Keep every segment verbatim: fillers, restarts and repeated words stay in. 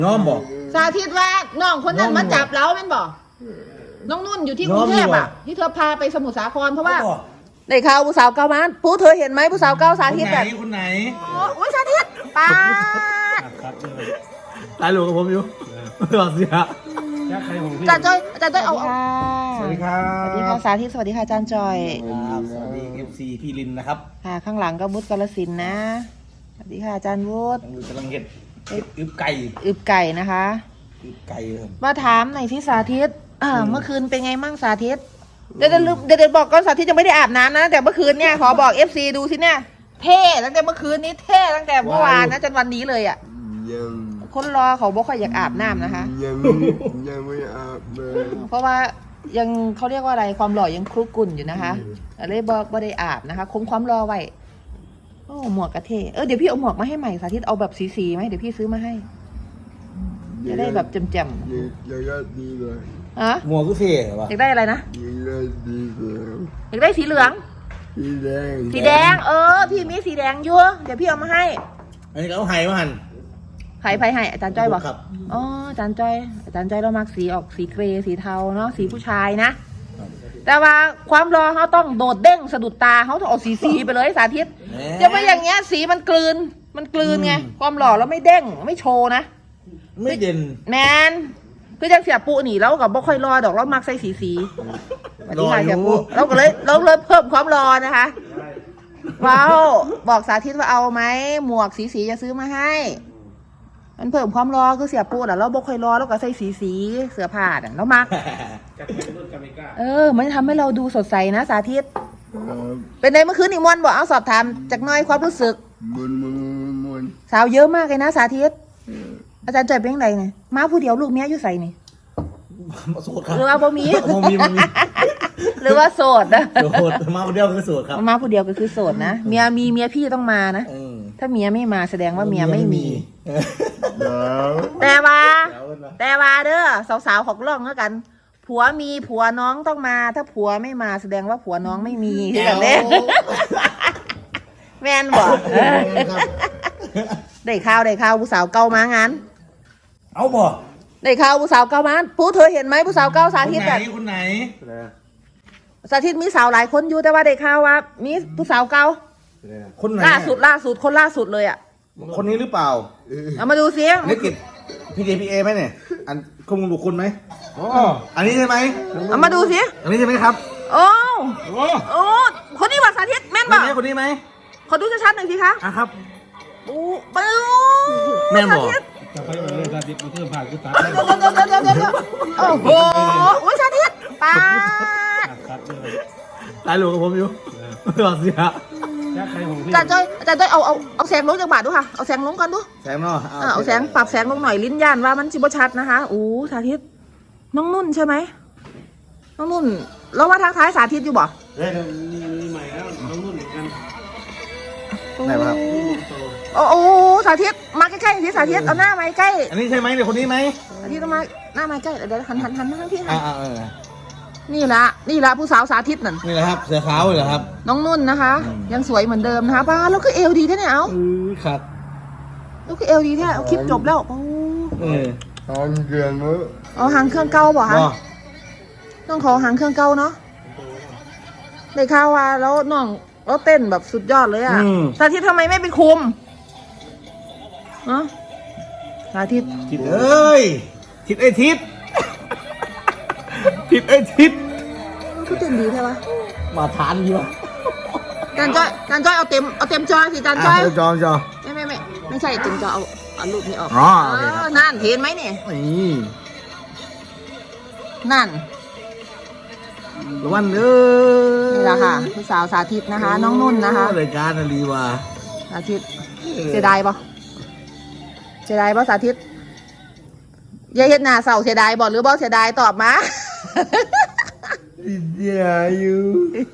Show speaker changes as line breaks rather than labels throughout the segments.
น้องบอก
สาธิตว่าน้องคนนั้นมาจับเราแม่นบอกน้องนุ่นอยู่ที่กรุงเทพอ่ะที่เธอพาไปสมุทรสาครเพราะว่าในข่าวผู้สาวเก้ามันผู้เธอเห็นไหมผู้สาวเก้าสาธิตแบบ
คนไหน
โอ้ยสาธิตป้า
ตายหลวงกับผมอยู่หลอดเสีย
อาจารย์จ้อยอาจารย์จ้อยเอา
สวัสดีครับ
สวัสดีค่ะสาธิตสวัสดีค่ะอาจารย์จอย
สวัสดีเอฟซีพี่ลินนะครับ
ค่ะข้างหลังก็วุฒิกาฬสินธุ์นะสวัสดีค่ะอาจารย์วุฒิ
กำลังเห็ดอึบไก่
อึบไก่นะคะ
อึบไก่
มาถามหน่อยที่สาธิตเมื่อคืนเป็นไงมั่งสาธิตเดี๋ยวเดี๋ยวบอกก่อนสาธิตยังไม่ได้อาบน้ำนะแต่เมื่อคืนเนี่ยขอบอกเอฟซีดูสิเนี่ยเท่ตั้งแต่เมื่อคืนนี้เท่ตั้งแต่เมื่อวานนะจนวันนี้เลยอ่ะคนรอเขาบอกเขาอยากอาบน้ำนะคะ
ยังยังไม่อาบเลย
เพราะว่ายังเขาเรียกว่าอะไรความหล่อยังคลุกกุ่นอยู่นะคะเลยบอกว่าได้อาบนะคะคงความรอไว้โอ้หมวกกระเทเออเดี๋ยวพี่เอาหมวกมาให้ใหม่สาธิตเอาแบบสีๆไหมเดี๋ยวพี่ซื้อมาให้จะได้แบบแจ่มๆ
อยากได้ดีเลย
อะ
หมวกก็เท่ป่ะ
อยากได้อะไรนะ
อยากได้ดีเลย
อยากได้สีเหลือง
สีแดง
สีแดงเออพี่มีสีแดงยั่วเดี๋ยวพี่เอามาให้
อันนี้เขาให้มาหัน
ไผ่ไผ่ให้อาจารย์จ้อยบอกอ๋ออาจารย์จ้อยอาจารย์จ้อยเรามักสีออกสีเกรย์สีเทาเนาะสีผู้ชายนะแต่ว่าความรอเขาต้องโดดเด้งสะดุดตาเขาต้องออกสีสีไปเลยสาธิตจะไม่อย่างเงี้ยสีมันกลืนมันกลืนไงความหล่อแล้วไม่เด้งไม่โชว์นะ
ไม่เด่น
แมนคือจังเสียปูหนีแล้วกับบ่ค่อยรอดอกเรามักใส่สีสีสวัสดีค่ะเสียปูเราก็เลยเราเลยเพิ่มความรอนะคะว้าวบอกสาธิตว่าเอาไหมหมวกสีสีจะซื้อมาให้มันเพิ่มความรอคือเสียปูน่ะเราบ่ค่อยรอแล้วก็ใส่สีสีเสื้อผ้าน่ะเรามักเออมันทำให้เราดูสดใสนะสาธิตเป็นไงเมื่อคืนนี่มวนบอกเอาสอบถามจากน้อยความรู้สึก
มวนมวนมวน
สาวเยอะมากเลยนะสาธิตอาจารย์ใจเป็นยังไงเนี่ยมาผู้เดียวลูกเมียอยู่ใส่นี่
โสดครับ
หรือว่าบ่มี
บ่มีบ่มี
หรือว่าโสดนะ
โสดมาผู้เดียวคือโสดครับ
มาผู้เดียวก็คือโสดนะเมียมีเมียพี่ต้องมานะถ้าเมียไม่มาแสดงว่าเมียไม่มีแต่ว่าแต่ว่าเด้อสาวๆของร่องแล้วกันผัวมีผัวน้องต้องมาถ้าผัวไม่มาแสดงว่าผัวน้องไม่มีคือแบบนี้แม่นบอกได้ข่าวได้ข่าวผู้สาวเก่ามางาน
เอาบ่
ได้ข่าวผู้สาวเก่ามาผู้เธอเห็นไหมผู้สาวเก่าสาธิตแบบ
คนไหน
สาธิตมีสาวหลายคนอยู่แต่ว่าได้ข่าวว่ามีผู้สาวเก่า
คนไหน
ล่าสุดล่าสุดคนล่าสุดเลยอ่ะ
คนนี้หรือเปล่า
เอามาดูเสียง
นี่กิจพีเจพีเอไหมเนี่ยอันข้อมูลบุคคลไหมอ๋ออันนี้ใช่ไหม
เอามาดูสิ
อันนี้ใช่ไหมครับ
โอ้โอ้คนนี้ว่าสาธิตแม่นบอก
คนนี้ไหม
ขอดูชัดๆหน่อยสิคะ
อ่ะครับ
โอ้ปู
แม่นบอก
จะไปเลยสาธิตมาเพิ่มผ่านกุศล
โอ้โหโอ้ยสาธิตป้า
ตายหลวงกับผมอยู่หลอดเสีย
อาจารย์จ้อยอาจารย์จ้อยเอาเอาเอาแสงลงจากบาทดูค่ะเอาแสงลงก่อนดู
แสงเนาะ
เอาแสงปรับแสงลงหน่อยลิ้นย่านว่ามันจิบชัดนะคะโอ้สาธิตน้องนุ่นใช่ไหมน้องนุ่นเรามาทางท้ายสาธิตอยู่บ่
เฮ้ยมีใหม่แล้วน้องนุ่นเหมือนกัน
ไหนครับ
โอ้โหสาธิตมาใกล้ๆสิสาธิตเอาหน้ามาใกล้
อันนี้ใช่ไหมเดี๋ยวคนนี้ไหม
สาธิตต้องมาหน้ามาใกล้เดี๋ยวหันหันหันมาที่
อ่า
นี่ละนี่ละผู้สาวสาธิตนั่น
นี่แหละครับเสือขาวเหรอครับ
น้องนุ่นนะคะยังสวยเหมือนเดิมนะคะป้าแล้วก็เอวดีแท้เนี่ยเอา
ครับ
แล้วก็เอวดีแท้เอาคลิปจบแล้วโอ้
เออ
หางเครื่องเนอะ
เอาหางเครื่องเก่าบ่คะต้องขอหางเครื่องเก่าเนาะได้ข่าวว่าแล้วน้องแล้วเต้นแบบสุดยอดเลยอ่ะสาธิตทำไมไม่ไปคุมอะสาธิต
ทิศเอ้ยทิศไอ้ทิศทิศไอ้ทิศ
ก็เต้นดีใช่ปะ
มาทานดีวะ
จานจ้อยจานจ้อยเอาเต็มเอาเต็มจอสิจานจ้อย
จอจอ
ไม่ไม่ไม่ไม่ใช่เต็มจอเอาเอารูปนี้ออก
อ๋อ
นั่นเห็นไหมเนี่ย
นี่
นั่น
วันเออ
นี่แหละค่ะผู้สาวสาธิตนะคะน้องนุ่นนะคะ
รายการอะไรวะ
สาธิตเสียดายปะเสียดายปะสาธิตยายเฮ็ดหน้าเศร้าเสียดายบอกหรือบอกเสียดายตอบมา
เสียอยู่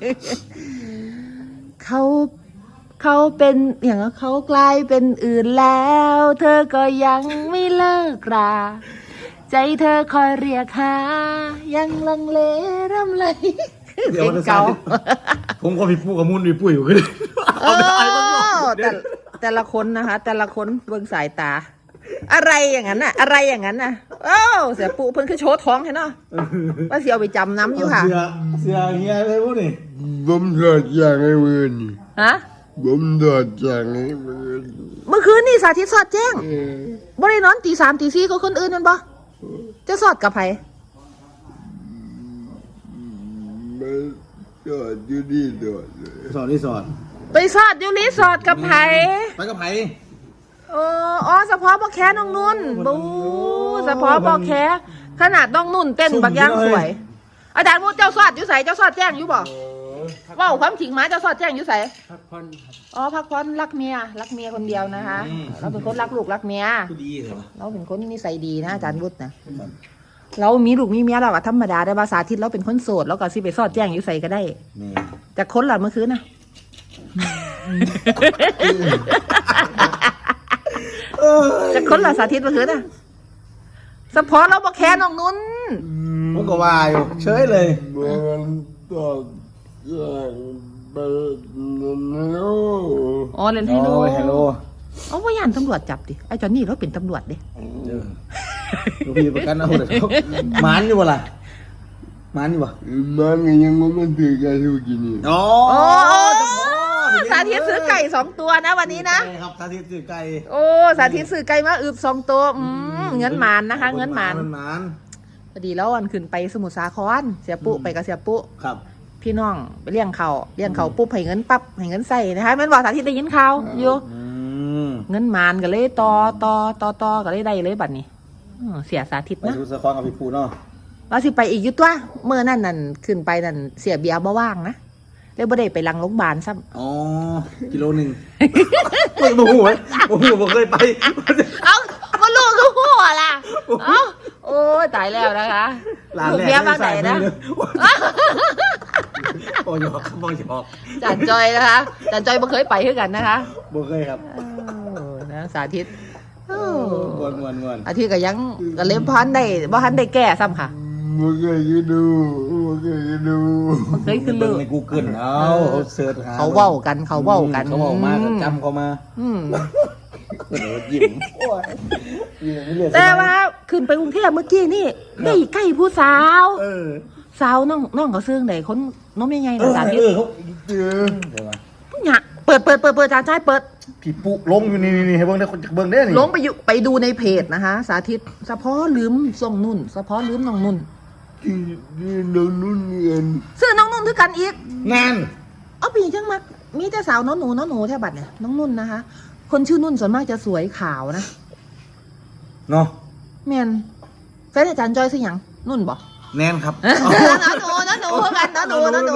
เขาเขาเป็นอย่างเขากลายเป็นอื่นแล้วเธอก็ยังไม่เลิกราใจเธอคอยเรียกหายังลังเลรำไร
เดี๋ยวเก่าผมก็พี่ปุ้กับมุนพี่ปุ้ยอยู่กันแต่
แต่แต่ละคนนะคะแต่ละคนเบิ่งสายตาอะไรอย่างนั้นน่ะ อะไรอย่างนั้นน่ะโอ้เสียปูเพิ่นคือโชว์ท้องให้เนาะว่าเสียเอาไปจำน้ำอยู่ค่ะ
เสือเสือเฮียเลยพวกนี่
ผมถอดจากไอ้มือนี่
ฮะ
ผมถอดจากไอ้มือนี่
เมื่อคืนนี่สาธิตสอดแจ้ง
เออ
บ่ได้นอนตีสามตีสี่ก็คนอื่นนั่นบ่จะสอดกับไผ
ไม่ถอดอยู่ดีถอดเลย
สอนที่สอน
ไปสอดอยู่รีสอร์ทกับไผ
ไปกับไผ
เอออ๋อเฉพาะบ่แค่น้องนุ่นบูเฉพาะบ่แค่ขนาดน้องนุ่นเต้นบักย่างสวย อาจารย์มูเจ้าสอดอยู่ไสเจ้าสอดแจ้งอยู่บ่เว้าความจริงมาเจ้าสอดแจ้งอยู่ไส
พักผ่อนครับ
อ๋อพักผ่อนรักเมียรักเมียคนเดียวนะคะ เราเป็นคนรักลูกรักเมีย
ดีเหรอ
เราเป็นคนนิสัยดีนะอาจารย์วุฒินะเรามีลูกมีเมียเราอะธรรมดาได้ภาษาทิศเราเป็นคนโสดแล้วก็สิไปสอดแจ้งอยู่ใส่ก็ได้
นี่
แต่คนหลับเมื่อคืนนะแต่คนหลับสาธิตเมื่อคืนนะสะพอเราบอกแค่น้องนุ่น
ผมก็ว่าอยู่เฉยเลย
มันถอดจากไปแล้ว
อ๋อเล่นไฮโล
โอ้ยฮัลโหล
เอาว่าย่านตำรวจจับดิไอ้จอนนี่เราเป็นตำรวจดิ
ลูกพี่ประกันเอาเดี๋ยวหมันอยู่บ่ล่ะหมันอยู่บ่
มันยังมันถือกันทุกทีนี่
อ๋อ
โอ้สาธิตซื้อไก่สองตัวนะวันนี้นะ
ใช่ครับสาธิตซื้อไก่
โอ้สาธิตซื้อไก่มาอึบสองตัวอืมเงินหมานนะคะ เงินหมาน
เงินหมาน
พอดีแล้ววันขึ้นไปสมุทรสาครเสียปุ๊ไปกับเสียปุ๊
ครับ
พี่น้องไปเลี้ยงเขาเลี้ยงเขาปุ๊บให้เงินปั๊บให้เงินใส่นะคะแมันบอกสาธิตได้ยินข่าวอยู่
อืม
เงินหมานก็เลยต่อต่อต่อต่อก็เลยได้เลยบัดนี้อ้อเสียสาธิต
ไป
นะ
สู่สะคอนกับพี่ปูเนาะ
ว่าสิไปอีกอยุตัวเมื่อนั่นนั่นขึ้นไปนั่นเสียเบียร์บ่ว่างนะเลยบ่ได้ไปรังโรงพยาบาลซ้ำ
อ๋อกิโลหนึ่งไม่บูไหมบูบ่เคยไป
เอ้าก็ลูกก็หัวล่ะเอ้าโอ้ยตายแล้วนะคะ
ร้าน
ลูก
แรก
เบียร์บ้านไหนนะ
โอ้ยหยอกครับโอ้ยหยอก
จานจอยนะคะจานจอยบ่เคยไปคือกันนะคะ
บ่เคยครับ
เออนะสาธิตเออ
มวนมวนมวน
อาทิตย์ก็ยังก็เล่มพันได้บ่ทันได้แก้ซ้ำค่ะ
มันเคยดูมันเคยดู
มันเคยขึ้น
เบิ่
ลื
ง
อ
ใน Google เอาเขาเสิร์ชหา
เขาเว้ากันเขาเว้ากัน
เขาเว้ามาก็จำเขามา
อืม
เออยิ้มโอ้ยยิ้มไม่เลือก
แต่ว่าขึ้นไปกรุงเทพเมื่อกี้นี่ได้ใกล้ผู้สาว
เออ
สาวน้องน้องเขาซื้อไหนคนน้องยังไง
เอ
นะ
อ
สาธิต
เออเขา
เจอ
เดี๋ยวมา
เนี่ยเปิดเปิดเปิดเปิดจานชายเปิด
พี่ปุลงอยู่นี่นี่ให้เบิ่งได้คนเบิ่งได้นี่
ลงไปอยู่ไปดูในเพจนะคะ สาธิตเฉพาะลืมส่งนุ่นเฉพาะลืมน้องนุ่น
ที่ที่น้องนุ่นเงิน
ซื้อน้องนุ่นคือกันอีก
งาน
เอาปีจังมักมีแต่สาวน้องหนูน้องหนูแท่บัดเนี่ยน้องนุ่นนะคะ คนชื่อนุ่นส่วนมากจะสวยขาวนะ
เนาะ
แมนแฟนอาจารย์จอยซื้อหยังนุ่นบอก
แนนครับ
น้องหนูน้องหนูกันน้องหนูน้องหนู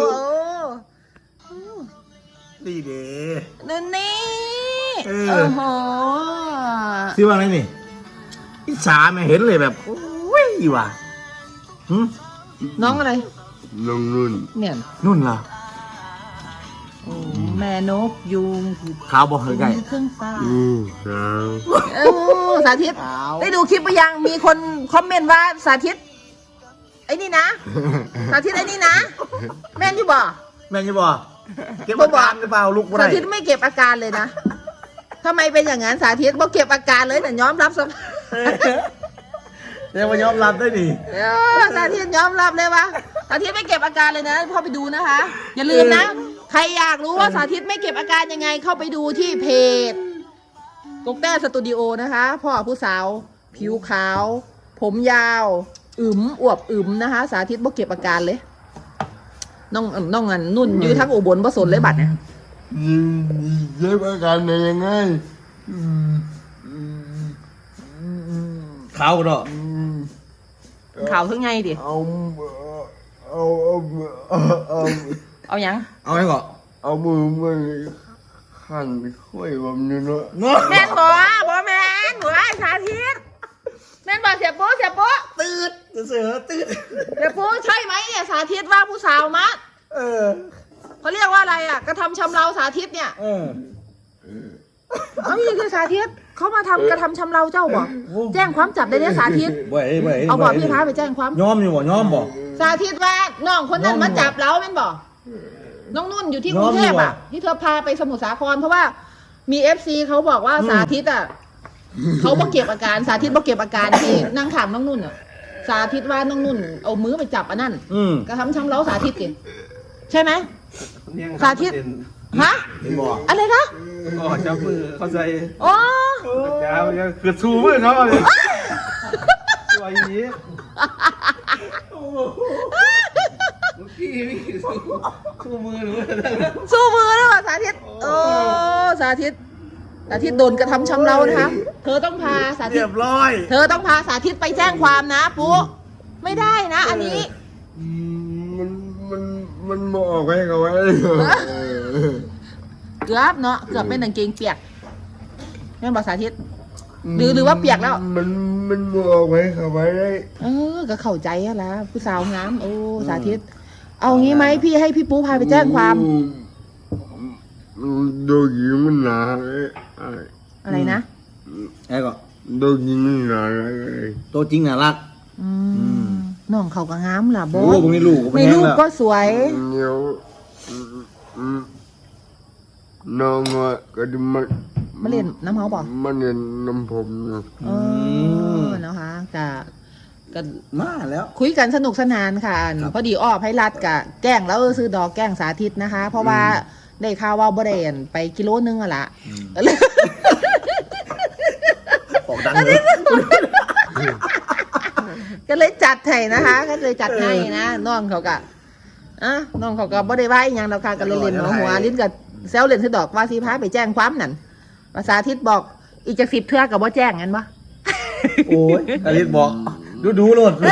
ดีเด้
นั่นนี่
เออ
โอ้โห
ชื่อว่าอะไรนี่อิจฉาแม่เห็นเลยแบบโอ้ยว่ะหึ
น้องอะไร
น้องนุ่น
เนี่ย
นุ่นเหรอ
โอ้แม่นกยุง
ขาวบ่เคยไก่
เครื่องฟ้า
อือครับ
เออสาธิต
ขาว
ได้ดูคลิปไปยังมีคนคอมเมนต์ว่าสาธิตไอ้นี่นะ สาธิตไอ้นี่นะ แม่นอยู่บ่
แม่นยังบ่เก็บอาการหรือเปล่าลูกบ่
สา
ได้
ธิตไม่เก็บอาการเลยนะทำไมเป็นอย่างนั้นสาธิตบ่เก็บอาการเลยแต่ยอมรับสภาพ
เดี๋ยวมายอมรับได้ดิ
เออสาธิตยอมรับเลยว่าสาธิตไม่เก็บอาการเลยนะพ่อไปดูนะคะ อย่าลืมนะ ใครอยากรู้ว่าสาธิตไม่เก็บอาการยังไง เข้าไปดูที่เพจกกแต้สตูดิโอนะคะพ่อผู้สาว ผิวขาว ผมยาวอึมอวบอึมนะคะ สาธิตบ่เก็บอาการเลยน้องน้องอันนุ่นอยู่ทั้งอุบลบ่สนเลยบัดเนี่ย
ยิงเจ็บอาการได้ยังไงอืมอืมอืม
ขาวก็ดอก
อืม
ข่าวทั้งไงดิ
เอาเอาเอาเอาเอา
เอายัง
เอาไว้ก่อน
เอามือมาขันค่อยผมนี่เนาะ
เนาะ
แม่นบ่บ่แม่นบ่ไอ้สาธิตแม่นบ่เสียโป๊เสียโป๊
ตื่นเสือตื่น
เสียโป๊ใช่ไหมเนี่ยสาธิตว่าผู้สาวมะ
เออ
เขาเรียกว่าอะไรอ่ะกระทำชำเราสาธิตเนี่ย
เออ
เอาอย่างคือสาธิตเขามาทำกระทำชำเราเจ้าบ่แจ้งความจับได้เนี่ยสาธิต
บ่ไอ้บ่ไ
เอาบอกพี่ท้าไปแจ้งความ
ยอมอยู่บ่ยอมบ่
สาธิตว่าน้องคนนั้น
น้อง
มาจับเราเป็นบ่น้องนุ่นอยู่ที่กรุงเทพ
น้องอยู่
อ่ะ
อะ
ที่เธอพาไปสมุทรสาครเพราะว่ามีเอฟซีเขาบอกว่า
อืม
สาธิตอ่ะเขาบ่เก็บอาการสาธิตบ่เก็บอาการที่นั่งถามน้องนุ่นอ่ะสาธิตว่าน้องนุ่นเอามือไปจับอันนั้น
อืม
กระทำช้ำเล้าสาธิตกิใช่ไหม สาธิต ฮะ
เห็นบอก
อะไรคะ
ก็จับมือเข้าใจ
อ๋อ
จ้ามันคือชูมือเนาะเลยตัวอย่างนี้พี่พี่ชูมือหนู
สู้มือแล้วอ่ะสาธิตโอ้สาธิตสาธิตโดนกระทำช้ำเล้านะคะเธอต้องพาสาธิ
เรี
ต
ยบร้อย
เธอต้องพาสาธิตไปแจ้งความนะปุ๊ไม่ได้นะ อันนี้
อืมมันมันมันบอกให้เขาไว้
เกือบเนาะเกือบเป็นกางเกงเปียกแม่นบอกสาธิต หรือหรือว่าเปียกแล้ว
มันมันบอกให้เขาไว้ได้
เออก็เข้าใจอะละผู้สาวงามโอ้สาธิต เอางี้ไหมพี่ให้พี่ปูพาไปแจ้งความ
อืมโดนยิงมันหนาเลยไอ้
อะไรนะ
ไอ้ก็
โดนยิงมันหนาเลย
ตัวจริงน่ารัก
อืมน้องเขาก็งามล่ะโบ
โอ้พวกนี้ลูกก็
ใน
เป็น
รูป
แล้ว
ก็สวย
เดี๋ยวอืมอืมน้องอ่ะก็จะมา
มาเล่นน้ำเฮาบอก
มาเรียนน้ำผมนะ
เออนะคะก็ก็
มาแล้ว
คุยกันสนุกสนานค่ะ
ครับ
พอดีอ้อไพรัดกะแกล้งแล้วซื้อดอกแกล้งสาธิตนะคะ เพราะว่าได้ข่าวว่าบ่ได้อั่นไปกิโลนึงอะละ
ออกดังเลย
ก็เลยจัดให้นะคะ ก็เลยจัดให้นะน้องเขาก็อ่ะน้องเขาก็บ่ได้ว่าอีหยังดอกค่ะก็เลยเล่นหัวหัวลิ้นกับแซวเล่นซื้อดอกว่าสิพาไปแจ้งความนั่นภาษาทิศบอกอีกจากสิบเทื่อกับว่าแจ้งงั้นปะ
โอ้ยอลิศบอก ดูดูโลด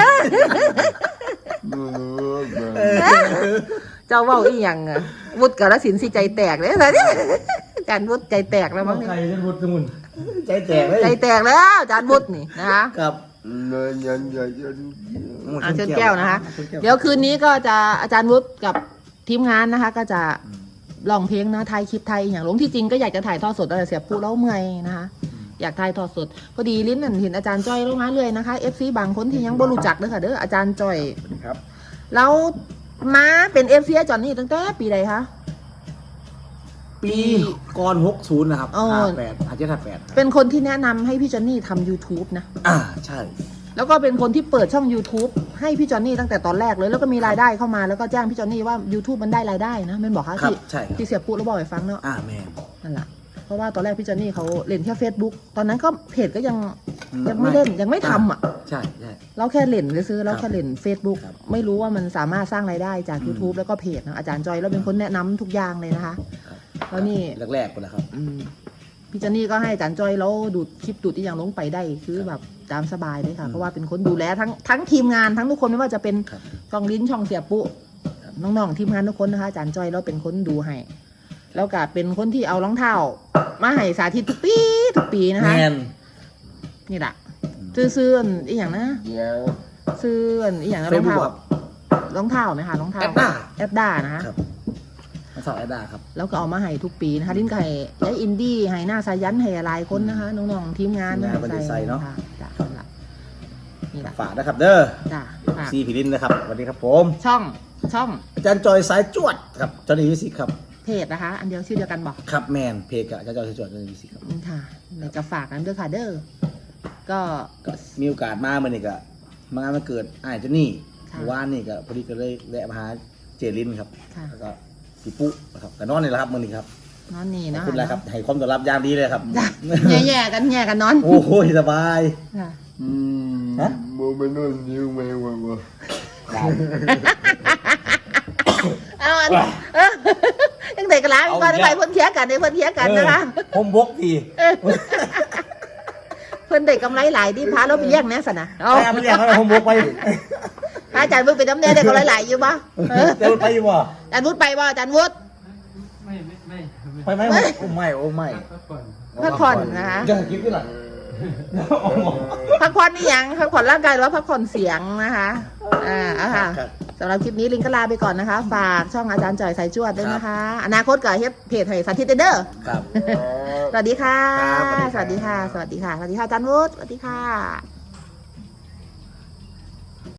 เจ้าเว้าอีหยังอะวุฒิกาฬสินธุ์สิใจแตกเลยนะอาจารย์วุฒิใจแตกแล้วมั้ง
ใคร
เนี่ย
จะมุดสมุนใจแตกเลย
ใจแตกแล้วอาจารย์วุฒินี่นะคะ
ครับ
เนินยันยันยัน
อ่ะเชิญแก้วนะคะ เดี๋ยวคืนนี้ก็จะอาจารย์วุฒิกับทีมงานนะคะ ก็จะลองเพลงนะไทยคลิปไทยอย่างหลงที่จริงก็อยากจะถ่ายทอดสดแต่เสียปูแล้วเมื่อยนะคะ อยากถ่ายทอดสดพอดีลิ้นนั่นเห็นอาจารย์จ้อยลงมาเลยนะคะเอฟซีบางคนที่ยังบ่รู้จักเด้อค่ะเด้ออาจารย์จ้อย
ครับ
แล้วมาเป็นเอฟซีจอนนี่ตั้งแต่ปีใดคะ
ปีก่อนหกศูนย์นะครับ
อ๋อ
ห้าแปดอาจจะห้าแปด
เป็นคนที่แนะนำให้พี่จอนนี่ทำ YouTube นะ
อ่าใช่
แล้วก็เป็นคนที่เปิดช่อง YouTube ให้พี่จอนนี่ตั้งแต่ตอนแรกเลย แล้วก็มีรายได้เข้ามาแล้วก็แจ้งพี่จอนนี่ว่า YouTube มันได้รายได้นะแม่นบอกคะ
ครับ
ที่
ใช่ครับ
ที่เสียปุ๊แล้วบอกให้ฟังเนาะ
อ่าแม่
นั่นแหละเพราะว่าตอนแรกพี่จอนนี่เขาเล่นแค่ Facebook ตอนนั้นก็เพจก็ยัง
อืม
ยังไม่เล่นยังไม่ทำอ่ะ
ใช่ใช่
เราแค่เล่นซื้อๆเราแค่เล่น Facebook
ครับ
ไม่รู้ว่ามันสามารถสร้างรายได้จาก YouTube แล้วก็เพจนะอาจารย์จอยแล้วเป็นคนแนะนำทุกอย่างเลยนะคะ แล้วนี่
แรกๆคนละครับ
อืมพี่จอนนี่ก็ให้อาจารย์จอยแล้วดูดคลิปดูดที่อย่างลงไปได้คือแบบตามสบายเลยค่ะ เพราะว่าเป็นคนดูแลทั้งทั้งทีมงานทั้งทุกคนไม่ว่าจะเป็น
ครับ
ช่องลิ้นช่องเสียปุน้องๆทีมงานทุกคนนะคะอาจารย์จอยแล้วเป็นคนดูให้แล้วก็เป็นคนที่เอารองเท้ามาให้สาธิตทุกปีทุกปีนะคะ
แมน
นี่แหละซื้อซื้ออันอีอย่างนะ
เดี๋ยว
ซื้ออันอีอย่างนะร
เฟ
อ
ซ
ง
บุ๊
เท้าก
ครับ
รองเท้าไหมคะรองเท้า
แอดด้า
แอดด้านะคะ
ครับมาสอบแอดดาครับ
แล้วก็เอามาให้ทุกปีนะคะลิ้นไก่ยายอินดี้ให้หน้าสายันให้หลายคนนะคะน้องๆทีมงาน
ทีมงานบริษัทเนาะ
ค่จ้ะนั่นล่ะนี่แหละ
ฝากนะครับเด้อ
จ้ะฝาก
ซีพิลินนะครับสวัสดีครับผม
ช่องช่อง
อาจารย์จอยสายจวดครับจอห์นนี่วิสิกครับ
เพจนะคะ อันเดียวชื่อเดียวกันบอก
ครับแมนเพจกับอาจารย์จอยสายจวดจอห์นนี่วิสิกครับ
อืมค่ะในกระฝากนั้นด้วยค่ะเด้อก็
ก็มีโอกาสมาเมื่อนี่ก็มางานมาเกิดอ้ายเจานี่
ค่ะ
เมื่อวานนี่ก็พอดีก็เลยแวะมาหาเจรินครับ
ค่ะ
แล้วก็พี่ปุ๊นะครับก็นอนนี่แหละครับมื่อนี้ครับ
นอนนี่
ขอบ
เนาะ
คุณแล้วครับให้ความต้อนรับอย่างดีเลยครับ
จ้ะแย่ๆกันแย่กันนอน
โอ้โหสบาย
ค่ะ
อืม
ฮะ
โมเป็นนนยิ้วไหมวะวะ
เอาอันเออยังเด็กกันแล้วก่อนไปเพื่อนเทียกันในเพื่อนเทียกันนะคะ
เออผมบกที
เพื่อนเด็กกำไรหลายที่พาเราไปแย่งแน่สนะเอา
ไปเอาไปเรียกเขาผมบกไป
พระอาจารย์วุฒิไปน้ำเนยเด็กกำไรหลายอยู่ปะเออ
เดี๋ยวไปอยู่บ่
อาจารย์วุฒิไปบ่อาจารย์วุฒิ
ไม่ไม่ไม่
ไปไหมโอ้ไม่โอ้ไม่
พักผ่อน
พักผ่อนนะคะ
จะคิดขึ้นหลัง
พักผ่อนนี่ยังพักผ่อนร่างกายหรือว่าพักผ่อนเสียงนะคะอ่าเอาค่ะ
ครับ
สำหรับคลิปนี้ลิงก็ลาไปก่อนนะคะ ฝากช่องอาจารย์จ่อยสายจวดด้วยนะคะ อนาคตกับเฮ็ดเพจให้สาธิตเด้อ
ครับ
สวัสดีค่ะ
ครับ
สวัสดีค่ะ สวัสดีค่ะ สวัสดีค่ะอาจารย์วุฒิสวัสดีค่ะ